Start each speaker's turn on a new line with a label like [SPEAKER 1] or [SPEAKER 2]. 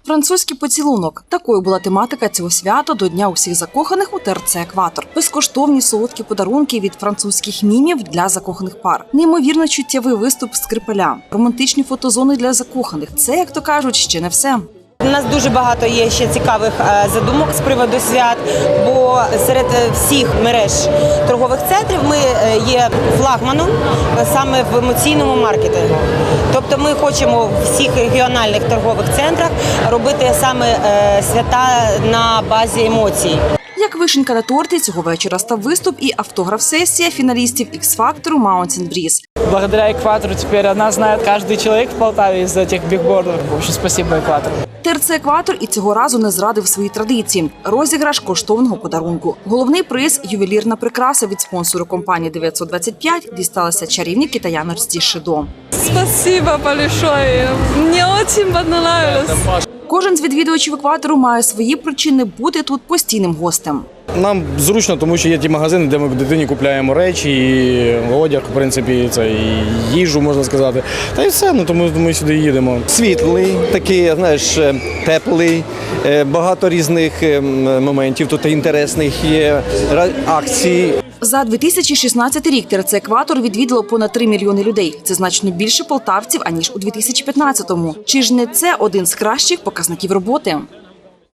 [SPEAKER 1] Французький поцілунок. Такою була тематика цього свята до Дня усіх закоханих у ТРЦ «Екватор». Безкоштовні солодкі подарунки від французьких мімів для закоханих пар. Неймовірно чуттєвий виступ Скрипаля. Романтичні фотозони для закоханих. Це, як то кажуть, ще не все.
[SPEAKER 2] У нас дуже багато є ще цікавих задумок з приводу свят, бо серед всіх мереж торгових центрів ми є флагманом саме в емоційному маркетингу. Тобто ми хочемо в всіх регіональних торгових центрах робити саме свята на базі емоцій.
[SPEAKER 1] Як вишенька на торті, цього вечора став виступ і автограф-сесія фіналістів X-Factor Mountain Breeze.
[SPEAKER 3] Благодаря «Экватору» теперь о нас знает каждый человек в Полтаве из этих бигбордов. В общем, спасибо «Экватору».
[SPEAKER 1] ТРЦ «Екватор» і цього разу не зрадив свої традиції. Розіграш коштовного подарунку. Головний приз – ювелірна прикраса від спонсору компанії 925 дісталася чарівній китаяночці Шидо.
[SPEAKER 4] Спасибо большое. Мне очень понравилось.
[SPEAKER 1] Кожен з відвідувачів «Екватору» має свої причини бути тут постійним гостем.
[SPEAKER 5] Нам зручно, тому що є ті магазини, де ми дитині купляємо речі, і одяг, в принципі, це і їжу, можна сказати. Та й все, тому ми сюди їдемо.
[SPEAKER 6] Світлий, такий, знаєш, теплий, багато різних моментів тут інтересних є, акцій.
[SPEAKER 1] За 2016 рік ТРЦ «Екватор» відвідало понад 3 мільйони людей. Це значно більше полтавців, аніж у 2015-му. Чи ж не це один з кращих показників роботи?